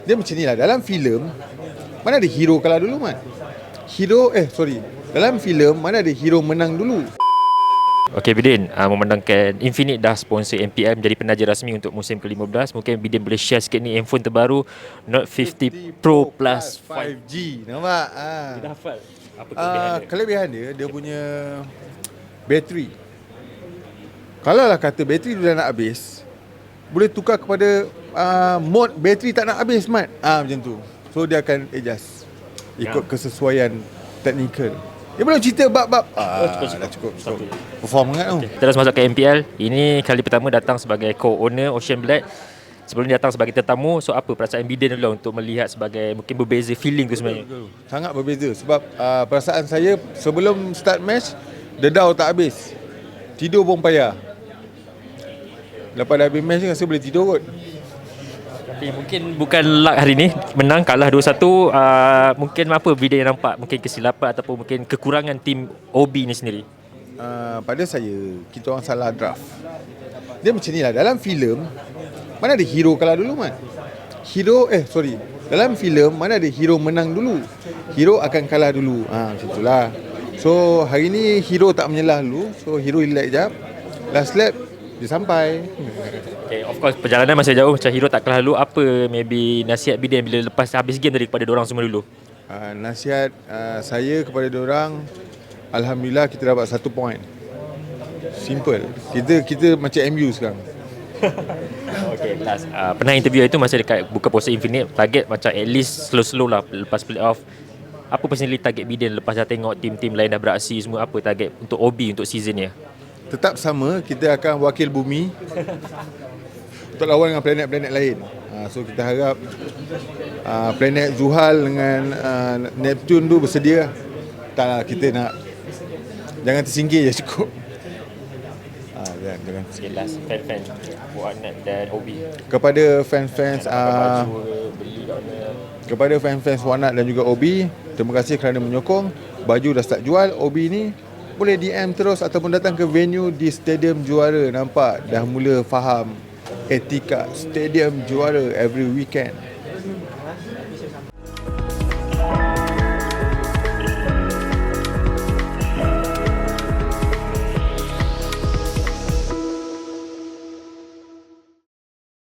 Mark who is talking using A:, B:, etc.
A: Dia macam ni lah. Dalam filem, mana ada hero kalah dulu, Mat? Dalam filem, mana ada hero menang dulu?
B: Okey Bidin, memandangkan Infinite dah sponsor MPM jadi penaja rasmi untuk musim ke-15. Mungkin Bidin boleh share sikit ni handphone terbaru Note 50 Pro Plus
A: 5G. Nampak?
B: Dia dah hafal apa kelebihan dia?
A: Kelebihan dia punya bateri. Kalau lah kata bateri dah nak habis, boleh tukar kepada mode bateri tak nak habis, Mat. Macam tu. So dia akan adjust ikut kesesuaian teknikal. Dia belum cerita bab-bab. Dah cukup. Perform sangat tu.
B: Kita dah masuk ke MPL. Ini kali pertama datang sebagai co-owner Ocean Black. Sebelum ni datang sebagai tetamu. So apa perasaan Bidin dulu untuk melihat sebagai mungkin berbeza feeling tu sebenarnya?
A: Sangat berbeza. Sebab perasaan saya sebelum start match, dedau tak habis. Tidur pun payah. Lepas dah habis match ni rasa boleh tidur kot.
B: Tapi mungkin bukan luck hari ni. Menang, kalah 2-1. Mungkin apa Bidin yang nampak? Mungkin kesilapan ataupun mungkin kekurangan tim OB ni sendiri?
A: Pada saya, kita orang salah draft. Dia macam ni lah. Dalam filem, mana ada hero kalah dulu, Mat? Dalam filem, mana ada hero menang dulu? Hero akan kalah dulu. Macam itulah. So, hari ni hero tak menyelah dulu. So, hero relax jap. Last lap, dia sampai.
B: Okay, of course perjalanan masih jauh. Macam hero tak kalah dulu. Apa maybe nasihat Bidin bila lepas habis game tadi kepada diorang semua dulu?
A: Nasihat saya kepada diorang, alhamdulillah kita dapat 1 point. Simple. Kita macam MU sekarang.
B: Okay, last pernah interview itu masa dekat buka puasa Infinite. Target macam at least slow-slow lah lepas play-off. Apa personally target Bidin lepas dah tengok tim-tim lain dah beraksi semua? Apa target untuk OB untuk season ni?
A: Tetap sama, kita akan wakil bumi untuk lawan dengan planet-planet lain. So kita harap planet Zuhal dengan Neptune tu bersedia. Taklah, kita nak jangan tersingkir je cukup. Jangan.
B: Okay, last fan-fan Buanat dan OB.
A: Kepada fans-fans kepada fans-fans Wanat dan juga OB, terima kasih kerana menyokong. Baju dah start jual. OB ni boleh DM terus ataupun datang ke venue di Stadium Juara. Nampak dah mula faham etika Stadium Juara every weekend.